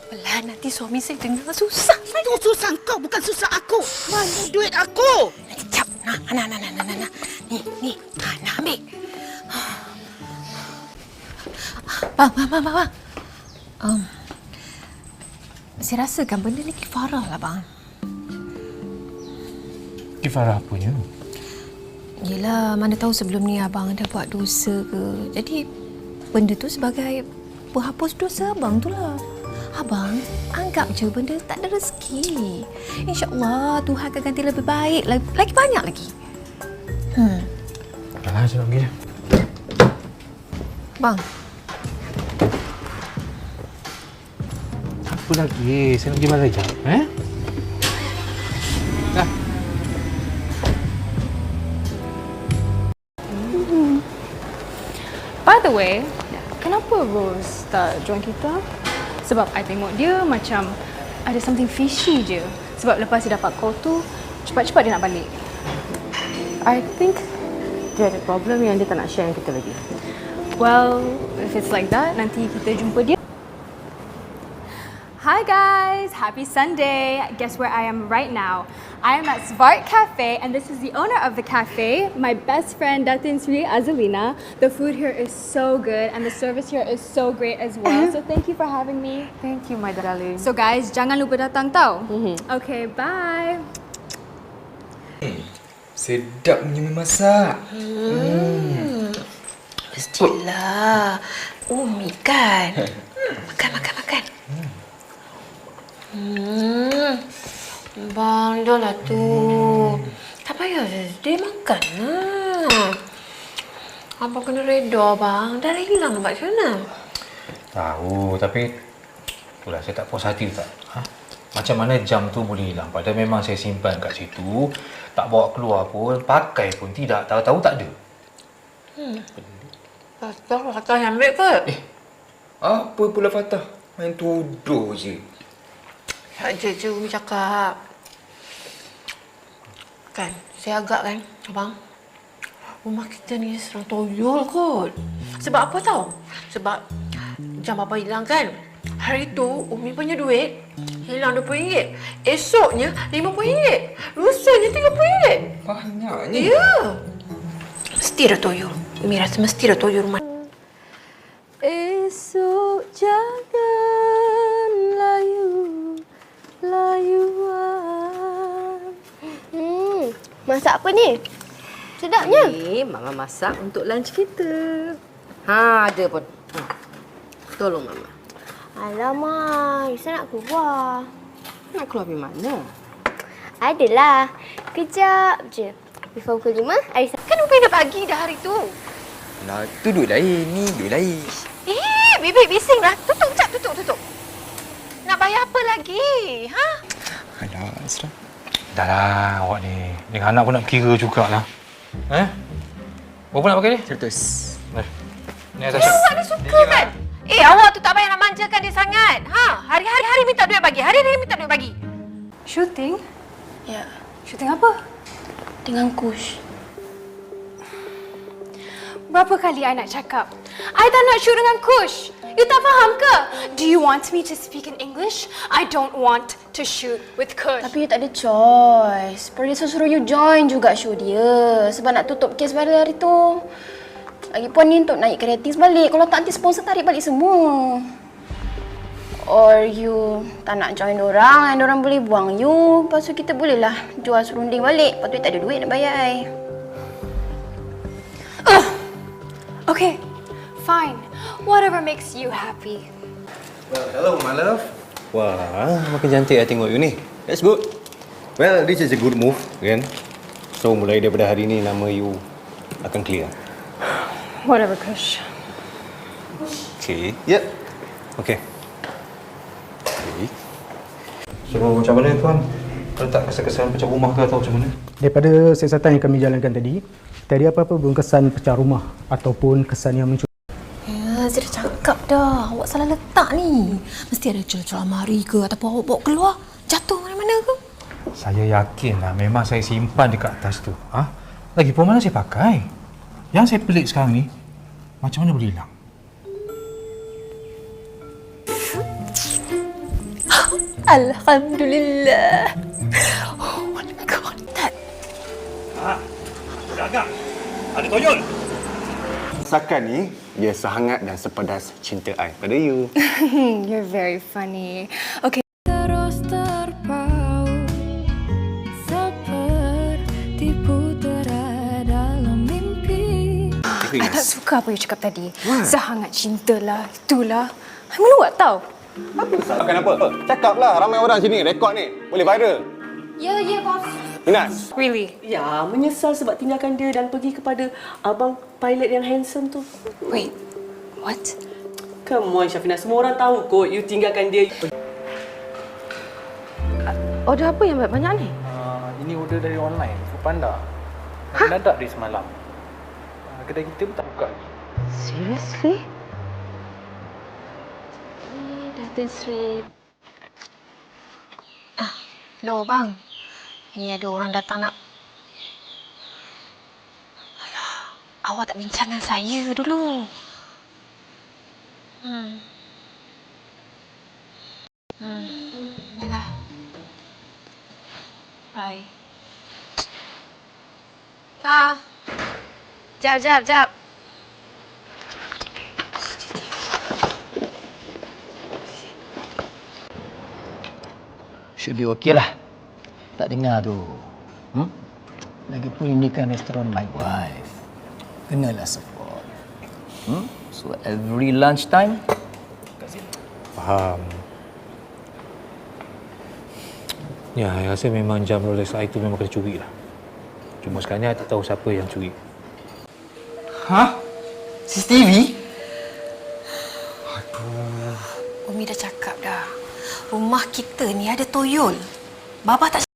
pelan-pelan. Nanti suami saya dengar susah. Itu susah kau, bukan susah aku. Mana duit aku? Sekejap. Nah. Ni. Nak ambil. Bang. Saya rasakan benda ni kifarah lah, bang. Kifarah apanya? Yelah, mana tahu sebelum ni abang ada buat dosa ke. Jadi, benda tu sebagai penghapus dosa abang tu lah. Abang, anggap je benda tak ada rezeki. InsyaAllah, Tuhan akan ganti lebih baik. Lagi banyak lagi. Dah, saya nak pergi je. Bang. Apa lagi? Saya nak pergi mana sekejap, Dah. By the way, kenapa Rose tak join kita? Sebab I tengok dia macam ada something fishy je. Sebab lepas dia dapat call tu, cepat-cepat dia nak balik. I think dia ada problem yang dia tak nak share dengan kita lagi. Well, if it's like that, nanti kita jumpa dia. Hi guys, happy Sunday. Guess where I am right now? I am at Svart Cafe and this is the owner of the cafe, my best friend Datin Sri Azalina. The food here is so good and the service here is so great as well. So thank you for having me. Thank you, my darling. So guys, jangan lupa datang tau. Okay, bye. Sedapnya memasak. Mestilah. Umi kan. Makan. Bang, dah lah tu. Tak payah dia makan lah. Abang kena reda, bang. Dah hilang nampak macam mana? Tahu, tapi itulah saya tak puas hati tak. Macam mana jam tu boleh hilang? Padahal memang saya simpan kat situ. Tak bawa keluar pun, pakai pun tidak. Tahu-tahu tak ada. Fatah yang ambil ke? Apa pula Fatah? Main tuduh je. Tak je Umi cakap. Kan, saya agak kan, abang. Rumah kita ni serang toyol kot. Sebab apa tahu? Sebab jam apa hilang kan? Hari tu Umi punya duit hilang RM20. Esoknya RM50. Lusanya RM30. Banyaknya. Ya. Mesti ada toyol. Umi rasa mesti ada toyol rumah. Esok jangan layuan. Masak apa ni? Sedapnya. Ni Mama masak untuk lunch kita. Ada pun. Tolong Mama. Alamak, Isa nak keluar. Nak keluar pergi mana? Adalah. Kejap je. Before pukul 5, Aisyah. Kan Umi dah bagi dah hari tu. Lah, tu duit lain, ni duit lain. Bibik bising lah. Tutup. Nak bayar apa lagi? Ha? Alah, Asra. Dah lah awak ni. Dengan anak pun nak kira jugalah. Berapa nak pakai ni? 100. Ni Atasha. Awak ni suka kan? Awak tu tak payah nak manjakan dia sangat. Hari-hari minta duit bagi. Hari-hari minta duit bagi. Shooting? Ya, Shooting apa? dengan Kush. Berapa kali I nak cakap? I tak nak shoot dengan Kush. You tak faham ke? Do you want me to speak in English? I don't want to shoot with Kush. Tapi you tak ada choice. Producer suruh you join juga show dia. Sebab nak tutup kes pada hari tu. Lagipun ni untuk naik ratings balik. Kalau tak nanti sponsor tarik balik semua. Or you tak nak join orang and orang boleh buang you. Lepas tu kita bolehlah jual serunding balik. Lepas tu tak ada duit nak bayar I. Okay, fine. Whatever makes you happy. Well, hello, my love. Wah, makin cantik I tengok you ni. That's good. Well, this is a good move, kan? So, mulai daripada hari ni, nama you akan clear. Whatever, Kush. Okay. Yep. Okay. So, macam mana tuan? Kalau tak kesan-kesan pecah rumah ke atau macam mana? Daripada siasatan yang kami jalankan tadi, tak ada apa-apa pun kesan pecah rumah ataupun kesan yang mencuri. Ya, saya dah cakap dah. Awak salah letak ni. Mesti ada celah-celah mari ke ataupun awak bawa keluar. Jatuh mana-mana ke? Saya yakinlah memang saya simpan dekat atas tu. Lagipun mana saya pakai? Yang saya pelik sekarang ni, macam mana boleh hilang? Alhamdulillah. Oh my god, that Ada toyol. Masakan ni, dia sehangat dan sepedas cinta I pada you. You're very funny. Okay. Terus terpaut seperti putera dalam mimpi. I tak suka apa you cakap tadi. Sehangat cinta lah, itulah. I meluat tau. Kenapa? Cakaplah, ramai orang sini. Rekod ni. Boleh viral. Ya, bos. Inas. Really? Ya, menyesal sebab tinggalkan dia dan pergi kepada abang pilot yang handsome tu. Wait, what? Come on, Syafina. Semua orang tahu kot you tinggalkan dia. Order apa yang banyak ni? Ini order dari online, Foodpanda. Mendadak dari semalam. Kedai kita pun tak buka lagi. Seriously? Datin Sri. Hello bang. Ini ada orang datang nak. Alah, awak tak bincang dengan saya dulu. Yalah. Bye. Jap. Should be okay lah. Tak dengar tu. Lagipun ini kan restoran my wife. Kenalah support. So every lunch time, Faham. Ya, saya rasa memang jam Rolex I tu memang kena curi lah. Cuma sekarang ni I tak tahu siapa yang curi. Hah? CCTV? Umi dah cakap dah. Rumah kita ni ada toyol. Baba tak